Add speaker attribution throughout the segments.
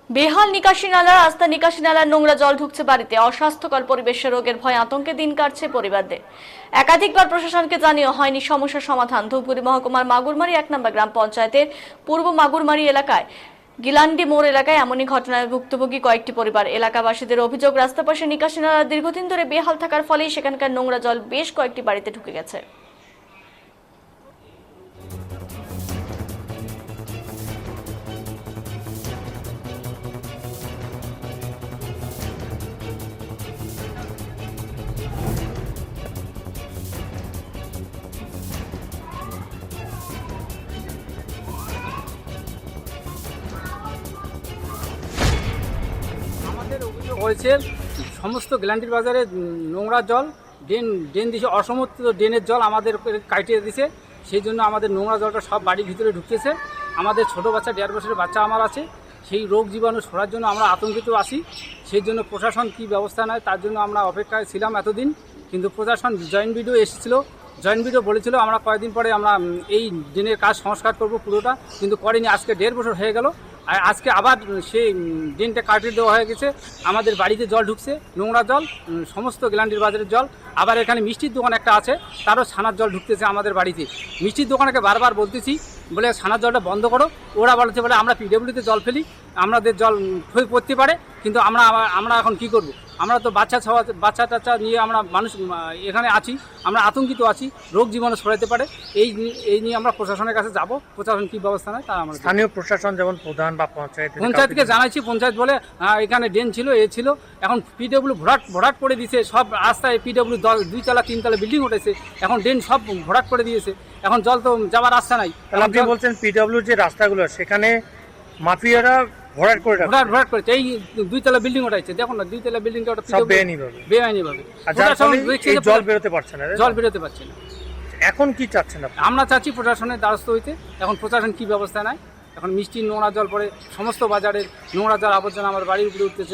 Speaker 1: বেহাল নিকাশি নালা, রাস্তা নিকাশি নালার নোংরা জল ঢুকছে বাড়িতে। অস্বাস্থ্যকর পরিবেশে রোগের ভয়, আতঙ্কে দিন কাটছে পরিবারদের। একাধিকবার প্রশাসনকে জানিয়েও হয়নি সমস্যার সমাধান। ধূপগুড়ি মহকুমার মাগুরমারি 1 নম্বর গ্রাম পঞ্চায়েতের পূর্ব মাগুরমারি এলাকায় গিলান্ডি মোড় এলাকায় এমনই ঘটনায় ভুক্তভোগী কয়েকটি পরিবার। এলাকাবাসীদের অভিযোগ, রাস্তার পাশে নিকাশি নালা দীর্ঘদিন ধরে বেহাল থাকার ফলেই সেখানকার নোংরা জল বেশ কয়েকটি বাড়িতে ঢুকে গেছে।
Speaker 2: আমাদের অভিযোগ হয়েছে সমস্ত গ্ল্যান্ডির বাজারে নোংরা জল ড্রেন দিছে, অসমর্থিত ড্রেনের জল আমাদের কাটিয়ে দিছে। সেই জন্য আমাদের নোংরা জলটা সব বাড়ির ভিতরে ঢুকতেছে। আমাদের ছোট বাচ্চা 1.5 বছরের বাচ্চা আমার আছে, সেই রোগ জীবাণু ছড়ার জন্য আমরা আতঙ্কিত আছি। সেই জন্য প্রশাসন কী ব্যবস্থা নেয় তার জন্য আমরা অপেক্ষায় ছিলাম এতদিন। কিন্তু প্রশাসন জয়েন্ট ভিডিও এসেছিল, জয়েন্ট ভিডিও বলেছিল আমরা কয়েকদিন পরে আমরা এই ড্রেনের কাজ সংস্কার করব পুরোটা, কিন্তু করেনি। আজকে 1.5 বছর হয়ে গেল, আর আজকে আবার সেই ড্রেনটা কাটিয়ে দেওয়া হয়ে গেছে। আমাদের বাড়িতে জল ঢুকছে, নোংরা জল, সমস্ত গ্ল্যান্ডির বাজারের জল। আবার এখানে মিষ্টির দোকান একটা আছে, তারও ছানার জল ঢুকতেছে আমাদের বাড়িতে। মিষ্টির দোকানকে বারবার বলতেছি, বলে ছানার জলটা বন্ধ করো। ওরা বলছে বলে আমরা পিডব্লিউডিতে জল ফেলি, আমাদের জল পড়তে পারে। কিন্তু আমরা এখন কি করব? আমরা তো বাচ্চা টাচ্চা নিয়ে আমরা মানুষ এখানে আছি, আমরা আতঙ্কিত আছি, রোগ জীবাণু ছড়াতে পারে। এই নিয়ে আমরা প্রশাসনের কাছে যাব, প্রশাসন কী ব্যবস্থা নেয় তা আমরা।
Speaker 3: স্থানীয় প্রশাসন যেমন প্রধান বা
Speaker 2: পঞ্চায়েতকে জানাইছি, পঞ্চায়েত বলে এখানে ড্রেন ছিল, ছিল। এখন পিডব্লিউ ভরাট করে দিয়েছে সব রাস্তায়। পিডব্লিউ 2 তলা 3 তলা বিল্ডিং উঠেছে, এখন ড্রেন সব ভরাট করে দিয়েছে। এখন জল তো যাওয়ার রাস্তা নাই।
Speaker 3: আপনি বলছেন পিডব্লিউ যে রাস্তাগুলো সেখানে মাফিয়ারা ভরাট
Speaker 2: করেছে। এই 2 তলা বিল্ডিং উঠাইছে, দেখুন না 2 তলা বিল্ডিংটা ওটা বেআইনিভাবে।
Speaker 3: জল বেরোতে পারছে না, এখন কি চাচ্ছেন আপনি?
Speaker 2: আমরা চাচ্ছি প্রশাসনের দ্বারস্থ হইতে। এখন প্রশাসন কি ব্যবস্থা নেয়। এখন মিষ্টির নোংরা জল পড়ে, সমস্ত বাজারের নোংরা জল আবর্জনা আমার বাড়ির উপরে উঠতেছে।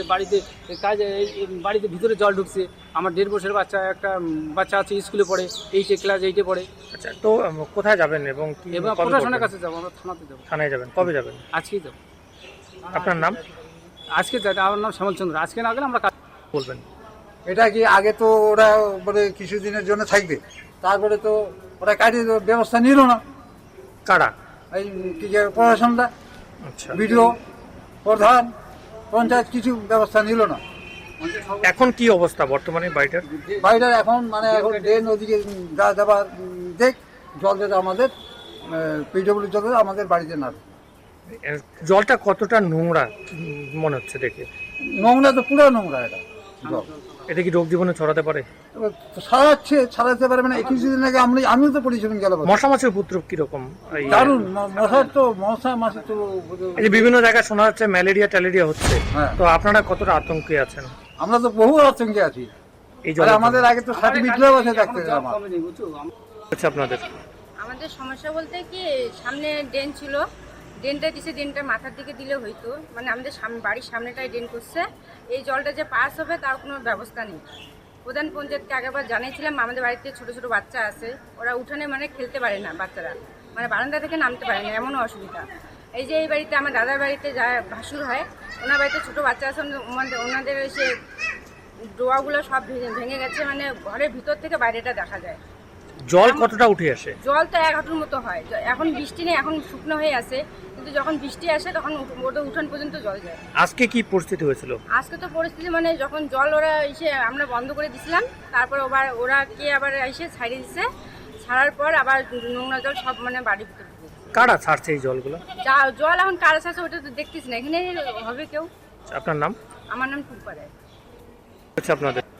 Speaker 2: বাড়িতে ভিতরে জল ঢুকছে। আমার 1.5 বছরের একটা বাচ্চা আছে, স্কুলে পড়ে, 8 ক্লাস 8-এ পড়ে।
Speaker 3: আচ্ছা, তো কোথায় যাবেন এবং কি?
Speaker 2: প্রশাসনের কাছে যাবো, আমরা থানাতে যাবো।
Speaker 3: থানায় যাবেন? কবে যাবেন?
Speaker 2: আজকেই যাবো।
Speaker 3: আপনার নাম?
Speaker 2: আজকে আমার নাম শ্যামল চন্দ্র। আজকে না গেলে আমরা
Speaker 3: বলবেন।
Speaker 4: এটা কি আগে তো ওরা বলে কিছুদিনের জন্য থাকবে, তারপরে তো ওরা কাটিয়ে ব্যবস্থা নিল না।
Speaker 3: কারা?
Speaker 4: এই কি যে প্রশাসনটা,
Speaker 3: আচ্ছা,
Speaker 4: বিডিও, প্রধান, পঞ্চায়েত কিছু ব্যবস্থা নিল না।
Speaker 3: এখন কি অবস্থা বর্তমানে
Speaker 4: বাড়িটার? এখন এখন ড্রেন ওদিকে যাবার দেখ, জল যেটা আমাদের পিডব্লিউ জল আমাদের বাড়িতে না।
Speaker 3: জলটা কতটা নোংরা মনে হচ্ছে দেখে?
Speaker 4: নোংরা তো পুরো নোংরা এটা জল।
Speaker 3: এটা কি রোগ জীবাণু ছড়াতে পারে?
Speaker 4: ছাড়াতে পারে মানে কিছুদিন আগে আমিও তো পরিচ্ছন্ন গেল।
Speaker 3: মশা মাছির উপদ্রব কিরকম?
Speaker 4: দারুণ। মশা তো
Speaker 3: বিভিন্ন জায়গায় শোনা যাচ্ছে ম্যালেরিয়া ট্যালেরিয়া হচ্ছে। তো আপনারা কতটা আতঙ্কে আছেন?
Speaker 4: আমরা তো বহু আতঙ্কে আছি। এই জল আমাদের আগে তো সার্টিফিকেট আছে দেখতে
Speaker 5: আমাদের সমস্যা বলতে কি, সামনে ড্রেন ছিল, ড্রেনটা দিছে, ড্রেনটা মাথার দিকে দিলে হইতো। মানে আমাদের বাড়ির সামনেটাই ড্রেন করছে। এই জলটা যে পাস হবে তার কোনো ব্যবস্থা নেই। প্রধান পঞ্চায়েতকে আগেবার জানিয়েছিলাম। আমাদের বাড়িতে ছোট ছোট বাচ্চা আছে, ওরা উঠানে খেলতে পারে না, বাচ্চারা বারান্দা থেকে নামতে পারে না, এমনও অসুবিধা। এই যে এই বাড়িতে আমার দাদার বাড়িতে যা ভাসুর হয়, ওনার বাড়িতে ছোট বাচ্চা আছে, ওনাদের এসে ডোয়াগুলো সব ভেঙে গেছে। ঘরের ভিতর থেকে বাইরেটা দেখা যায়।
Speaker 3: জল কতটা উঠে আসে?
Speaker 5: জল তো 1 হাঁটুর মতো হয়। এখন বৃষ্টি নেই, এখন শুকনো হয়ে আছে, কিন্তু যখন বৃষ্টি আসে তখন ওটা উঠান পর্যন্ত জল যায়।
Speaker 3: আজকে কি পরিস্থিতি হয়েছিল?
Speaker 5: আজকে তো পরিস্থিতি যখন জল ওরা এসে আমরা বন্ধ করে দিছিলাম, তারপর ওরা আবার এসে ছাড়িয়ে দিচ্ছে। ছাড়ার পর আবার নোংরা জল সব বাড়ির ভিতরে।
Speaker 3: কারা ছাড়ছে এই জলগুলো?
Speaker 5: জল এখন কারা ছাড়ছে ওটা তো দেখতেছি না। এখানে হবে কেউ।
Speaker 3: আপনার নাম?
Speaker 5: আমার নাম টুম্পা রায়।
Speaker 3: আচ্ছা, আপনাদের